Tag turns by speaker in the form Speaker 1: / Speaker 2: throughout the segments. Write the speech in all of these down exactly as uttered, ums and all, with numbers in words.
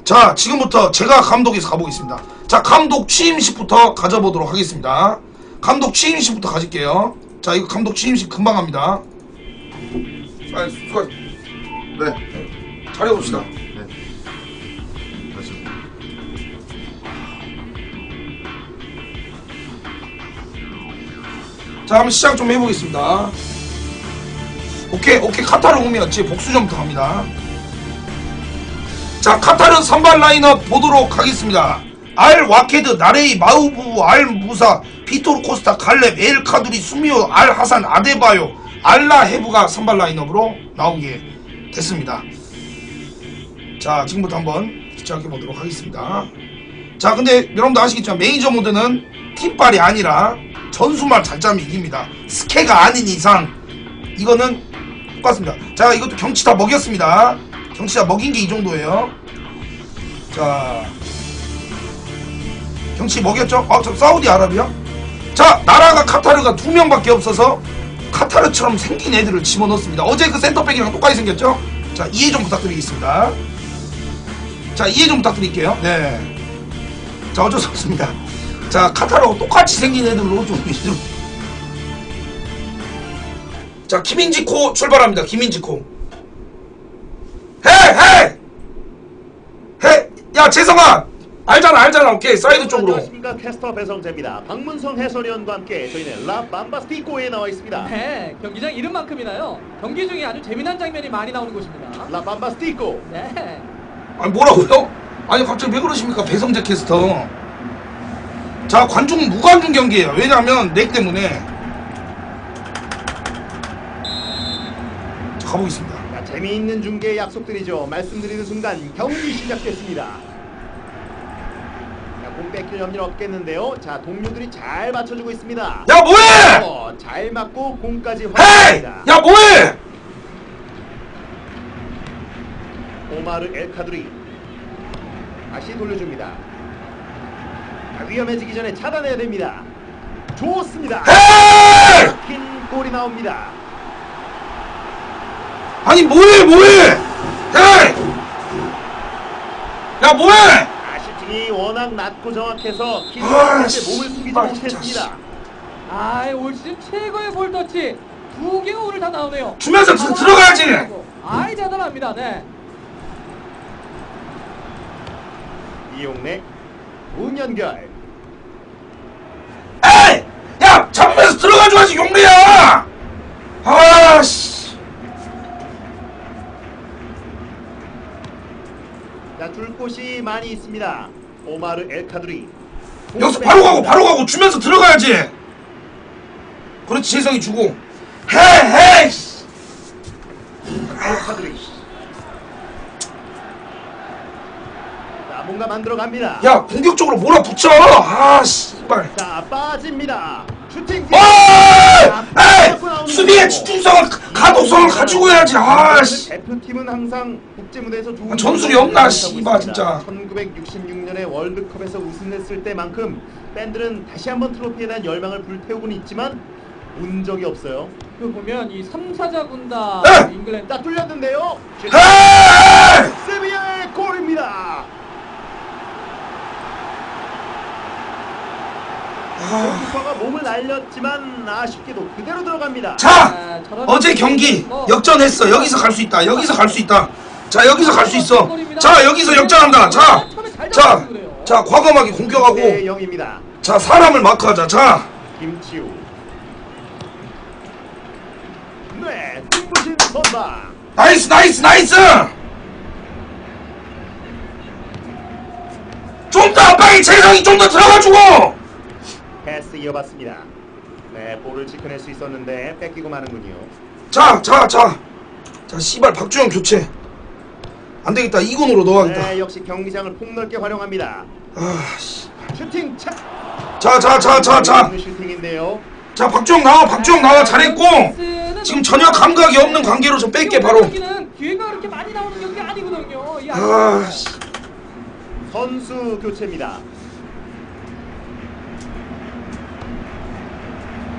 Speaker 1: 자, 지금부터 제가 감독에서 가보겠습니다. 자, 감독 취임식부터 가져보도록 하겠습니다. 감독 취임식부터 가질게요. 자, 이거 감독 취임식 금방 합니다. 아, 수고.
Speaker 2: 네.
Speaker 1: 잘해봅시다.
Speaker 2: 네. 다시.
Speaker 1: 자, 한번 시작 좀 해보겠습니다. 오케이, 오케이. 카타르 홈이었지. 복수전부터 갑니다. 자, 카타르 선발 라인업 보도록 하겠습니다. 알 와케드, 나레이, 마우부, 알 무사, 피토르 코스타, 갈렙, 엘 카두리, 수미오, 알 하산, 아데바요, 알라 헤브가 선발 라인업으로 나오게 됐습니다. 자, 지금부터 한번 시작해 보도록 하겠습니다. 자, 근데 여러분도 아시겠지만 메이저 모드는 팀빨이 아니라 전수말 잘 짜면 이깁니다. 스케가 아닌 이상 이거는 똑같습니다. 자, 이것도 경치 다 먹였습니다. 경치 다 먹인 게 이 정도예요. 자, 경치 먹였죠? 아, 저 사우디아라비아? 자, 나라가 카타르가 두 명밖에 없어서 카타르처럼 생긴 애들을 집어넣습니다. 어제 그 센터백이랑 똑같이 생겼죠? 자, 이해 좀 부탁드리겠습니다. 자, 이해 좀 부탁드릴게요. 네. 자, 어쩔 수 없습니다. 자, 카타르하고 똑같이 생긴 애들로 좀 좀. 자, 김인지코 출발합니다. 김인지코. 헤! 헤! 헤! 야, 재성아! 알잖아, 알잖아. 오케이, 사이드 쪽으로.
Speaker 3: 안녕하십니까, 캐스터 배성재입니다. 박문성 해설위원과 함께 저희는 라 밤바스티코에 나와 있습니다.
Speaker 4: 네, 경기장 이름만큼이나요. 경기 중에 아주 재미난 장면이 많이 나오는 곳입니다.
Speaker 3: 라 밤바스티코.
Speaker 4: 네.
Speaker 1: 아니, 뭐라고요? 아니, 갑자기 왜 그러십니까, 배성재 캐스터. 자, 관중 무관중 경기예요. 왜냐하면 넥 때문에. 자, 가보겠습니다.
Speaker 3: 자, 재미있는 중계 약속드리죠. 말씀드리는 순간 경기 시작됐습니다. 자, 공 뺏길 염려는 없겠는데요. 자, 동료들이 잘 맞춰주고 있습니다.
Speaker 1: 야, 뭐해!
Speaker 3: 어, 잘 맞고 공까지
Speaker 1: 헤이!
Speaker 3: 확보합니다.
Speaker 1: 야, 뭐해!
Speaker 3: 오마르 엘카두리 다시 돌려줍니다. 자, 위험해지기 전에 차단해야 됩니다. 좋습니다.
Speaker 1: 헤이!
Speaker 3: 긴 골이 나옵니다.
Speaker 1: 아니, 뭐해, 뭐해! 헤이! 야, 뭐해!
Speaker 3: 아, 슈팅이 워낙 낮고 정확해서
Speaker 1: 아,
Speaker 3: 키퍼한테
Speaker 1: 씨.
Speaker 3: 몸을 숙이지
Speaker 1: 아,
Speaker 3: 못했습니다.
Speaker 1: 진짜,
Speaker 4: 아, 올 시즌 최고의 볼터치 두 개가 오늘 다 나오네요.
Speaker 1: 주면서 들- 들어가야지!
Speaker 4: 아이, 대단합니다. 네.
Speaker 3: 이용래 문연결.
Speaker 1: 에이! 야! 잡으면서 들어가줘야지, 용리야! 아, 씨.
Speaker 3: 자, 줄 곳이 많이 있습니다. 오마르 엘카두리.
Speaker 1: 여기서 바로 가고, 바로 가고, 주면서 들어가야지! 그렇지, 재성이 주고. 헤, 헤이! 씨.
Speaker 3: 엘카두리. 자, 뭔가 만들어 갑니다.
Speaker 1: 야, 공격적으로 몰아붙여! 아, 씨발.
Speaker 3: 자, 빠집니다. 슈팅.
Speaker 1: 아! 에이! 수비의 집중성을, 가독성을 가지고 해야지, 아, 씨.
Speaker 3: 대표팀은 항상 국제무대에서 좋은
Speaker 1: 아, 전술이 없나, 씨발, 진짜.
Speaker 3: 천구백육십육 년에 월드컵에서 우승했을 때만큼 팬들은 다시 한번 트로피에 대한 열망을 불태우고는 있지만 운 적이 없어요.
Speaker 4: 그 보면 이 삼 사자 군단
Speaker 1: 에!
Speaker 4: 잉글랜드
Speaker 3: 자, 뚫렸는데요.
Speaker 1: 헤이!
Speaker 3: 세비야의 골입니다. 골키퍼가 몸을 날렸지만 아쉽게도 그대로 들어갑니다.
Speaker 1: 자! 어제 경기 역전했어. 여기서 갈 수 있다. 여기서 갈 수 있다. 자, 여기서 갈 수 있어. 자, 여기서 역전한다. 자! 자! 자, 과감하게 공격하고.
Speaker 3: 네, 영입니다.
Speaker 1: 자, 사람을 마크하자. 자!
Speaker 3: 김치우. 네, 눈부신 선방.
Speaker 1: 나이스, 나이스, 나이스! 좀 더 압박이 재성이 좀 더 들어가주고!
Speaker 3: 패스 이어봤습니다. 네, 볼을 지켜낼 수 있었는데 뺏기고 마는군요.
Speaker 1: 자, 자, 자. 자, 씨발, 박주영 교체. 안 되겠다. 이군으로 넣어야겠다.
Speaker 3: 네, 역시 경기장을 폭넓게 활용합니다.
Speaker 1: 아, 씨.
Speaker 3: 슈팅 차.
Speaker 1: 자, 자, 자, 자, 자.
Speaker 3: 슈팅인데요.
Speaker 1: 자, 박주영 나와. 박주영 나와. 잘했고. 지금 전혀 감각이 없는 관계로 좀 뺄게, 바로.
Speaker 4: 경기는 기회가 그렇게 많이 나오는 경기 아니거든요. 이
Speaker 1: 아, 씨.
Speaker 3: 선수 교체입니다.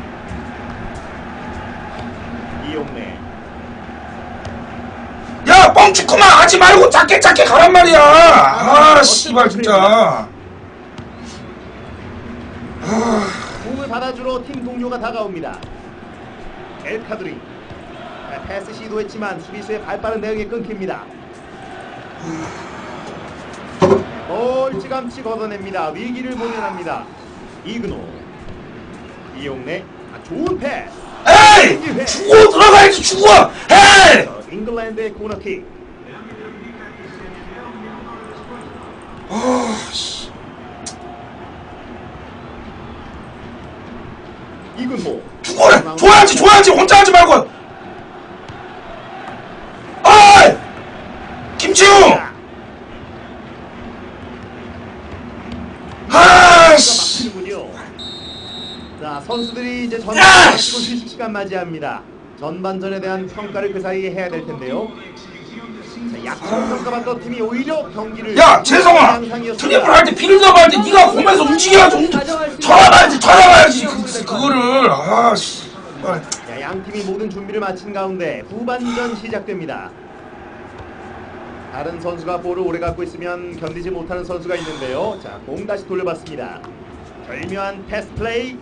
Speaker 3: 이용래.
Speaker 1: 야! 야 뻥치구만 하지 말고 작게 작게 가란 말이야. 아 씨발 진짜.
Speaker 3: 공을 받아주러 팀 동료가 다가옵니다. 엘카드리 패스 시도했지만 수비수의 발빠른 대응에 끊깁니다. 멀찌감치 걷어냅니다. 위기를 모면합니다. 이근호 이용래 아, 좋은 패스.
Speaker 1: 에이 죽어 들어가야지 죽어. 에이
Speaker 3: 잉글랜드의 코너킥.
Speaker 1: 아씨
Speaker 3: 이근호
Speaker 1: 죽어 줘야지 줘야지 혼자 하지 말고. 아이 김지웅 아씨
Speaker 3: 바뀌는군요. 자 선수들이 이제
Speaker 1: 야!
Speaker 3: 전반 마치고 휴식 시간 맞이합니다. 전반전에 대한 평가를 그 사이에 해야 될 텐데요. 자, 약점 평가받던 팀이 오히려 경기를
Speaker 1: 야 재성아
Speaker 3: 양상이었습니다.
Speaker 1: 트리플 할 때 필드업 할 때 네가 공에서 움직여야지 움직 쳐다봐야지 쳐다봐야지 그, 그거를 아씨
Speaker 3: 자, 양 팀이 모든 준비를 마친 가운데 후반전 시작됩니다. 다른 선수가 볼을 오래 갖고 있으면 견디지 못하는 선수가 있는데요. 자, 공 다시 돌려봤습니다. 절묘한 패스 플레이.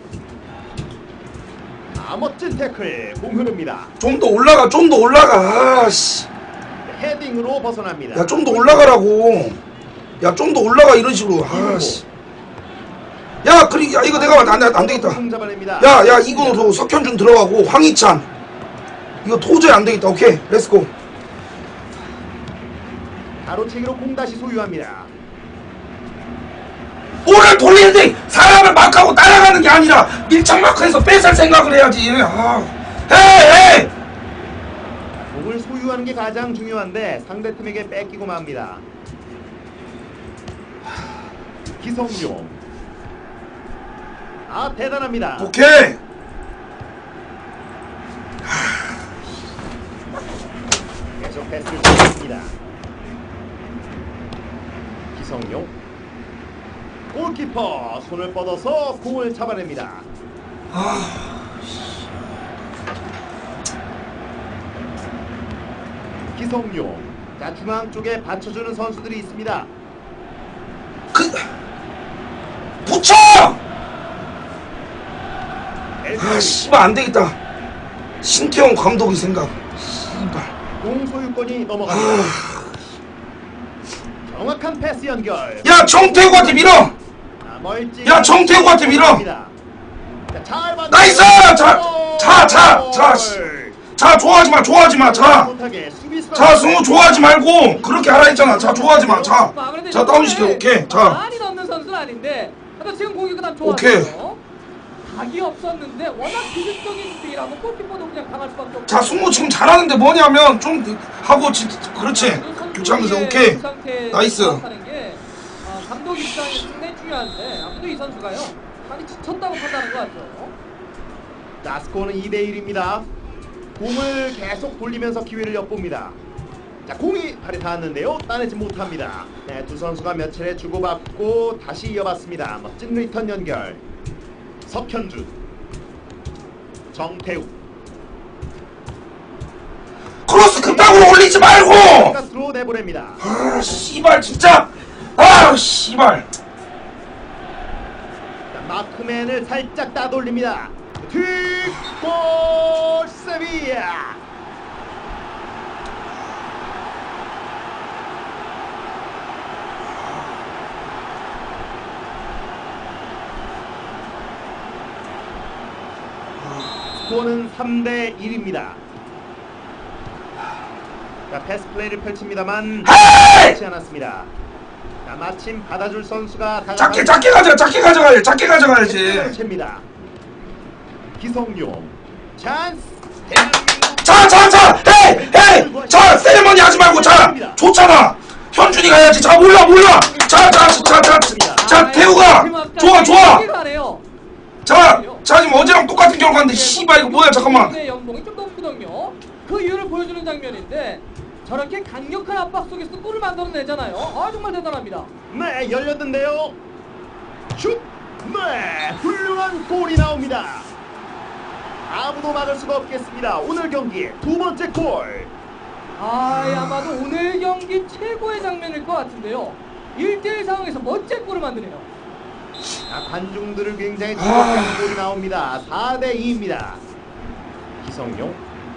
Speaker 3: 아, 멋진 태클. 공 흐릅니다.
Speaker 1: 좀 더 올라가 좀 더 올라가 아씨
Speaker 3: 헤딩으로 벗어납니다.
Speaker 1: 야 좀 더 올라가라고 야 좀 더 올라가 이런 식으로 아씨 야 그리 야 이거 내가 안, 안, 안 되겠다
Speaker 3: 공 잡아냅니다.
Speaker 1: 야야 이거 석현준 들어가고 황희찬 이거 도저히 안 되겠다. 오케이 렛츠고.
Speaker 3: 가로채기로 공 다시 소유합니다.
Speaker 1: 볼을 돌리는데 사람을 막하고 따라가는 게 아니라 밀착 마크에서 뺏을 생각을 해야지. 아 헤이 헤이
Speaker 3: 공을 소유하는 게 가장 중요한데 상대팀에게 뺏기고 맙니다. 기성용. 아 대단합니다.
Speaker 1: 오케이
Speaker 3: 계속 패스를 주습니다. 기성용. 골키퍼 손을 뻗어서 공을 잡아냅니다. 기성용. 자 중앙 쪽에 받쳐주는 선수들이 있습니다.
Speaker 1: 그 붙여 아 씨발 안 되겠다. 신태용 감독이 생각 씨발
Speaker 3: 공 소유권이 넘어갑니다. 정확한 패스 연결.
Speaker 1: 야 정태우한테 밀어.
Speaker 3: 자, 멀찌
Speaker 1: 야, 정태우한테 밀어.
Speaker 3: 자, 잘 받-
Speaker 1: 나이스! 자, 자, 자, 자, 씨. 자 좋아하지 마 좋아하지 마자자
Speaker 3: 못하게 수비수가
Speaker 1: 자, 승우 좋아하지 말고 그렇게 하라 했잖아. 자 좋아하지 마자자 다운시켜. 오케이 자
Speaker 4: 많이 넣는 선수는 아닌데 하여튼 지금 공격이 그다음 좋았어요.
Speaker 1: 오케이.
Speaker 4: 각이 없었는데 워낙 기술적인 스피라고 골키퍼도 그냥 당할 수밖에 없고.
Speaker 1: 자 승우 지금 잘하는데 뭐냐면 좀 하고 지, 그렇지 교체하면서 오케이 나이스.
Speaker 4: 하는 게 어, 감독 입장에서 상당히 중요한데 아무도 이 선수가요 많이 지쳤다고 판단하는 것 같죠.
Speaker 3: 자, 스코어는 이 대 일입니다. 공을 계속 돌리면서 기회를 엿봅니다. 자, 공이 발에 닿았는데요. 따내지 못합니다. 네, 두 선수가 몇 차례 주고받고 다시 이어봤습니다. 멋진 리턴 연결. 석현준, 정태우.
Speaker 1: 크로스 급당으로 올리지 말고.
Speaker 3: 가스로 내보냅니다.
Speaker 1: 아 씨발 진짜 아 씨발.
Speaker 3: 자, 마크맨을 살짝 따돌립니다. 뒷골 세비야. 스코어는 삼 대 일입니다. 자, 패스 플레이를 펼칩니다만 그렇지 않았습니다. 자, 마침 받아줄 선수가 다가가-
Speaker 1: 작게 작게 가져가 작게 가져가야지 작게 가져가야지.
Speaker 3: 챕니다. 기성용 찬스. 대한민국
Speaker 1: 자자자 헤이 헤이 자 세레머니 하지 말고 자 좋잖아. 현준이 가야지. 자 몰라 몰라. 자자자자자 태우가 좋아 좋아. 자, 자 지금 어제랑 똑같은 결과인데 씨발 이거 뭐야 잠깐만.
Speaker 4: 의 연봉이 좀 높거든요. 그 이유를 보여주는 장면인데 저렇게 강력한 압박 속에서 골을 만들어내잖아요. 아 정말 대단합니다.
Speaker 3: 네, 열렸는데요. 슛. 네, 훌륭한 골이 나옵니다. 아무도 막을 수가 없겠습니다. 오늘 경기의 두 번째 골.
Speaker 4: 아, 아마도 오늘 경기 최고의 장면일 것 같은데요. 일 대 일 상황에서 멋진 골을 만드네요.
Speaker 3: 자, 관중들을 굉장히 즐겁게 하는 골이 나옵니다. 사 대 이입니다. 기성용.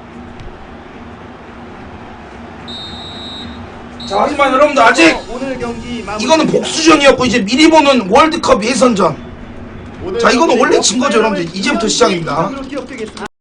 Speaker 1: 자, 하지만 여러분들 아직
Speaker 3: 오늘 경기 마무리.
Speaker 1: 이거는 복수전이었고 이제 미리 보는 월드컵 예선전. 자, 이거는 원래 진 거죠, 여러분들. 이제부터 시작입니다.
Speaker 3: 기록되겠습니다.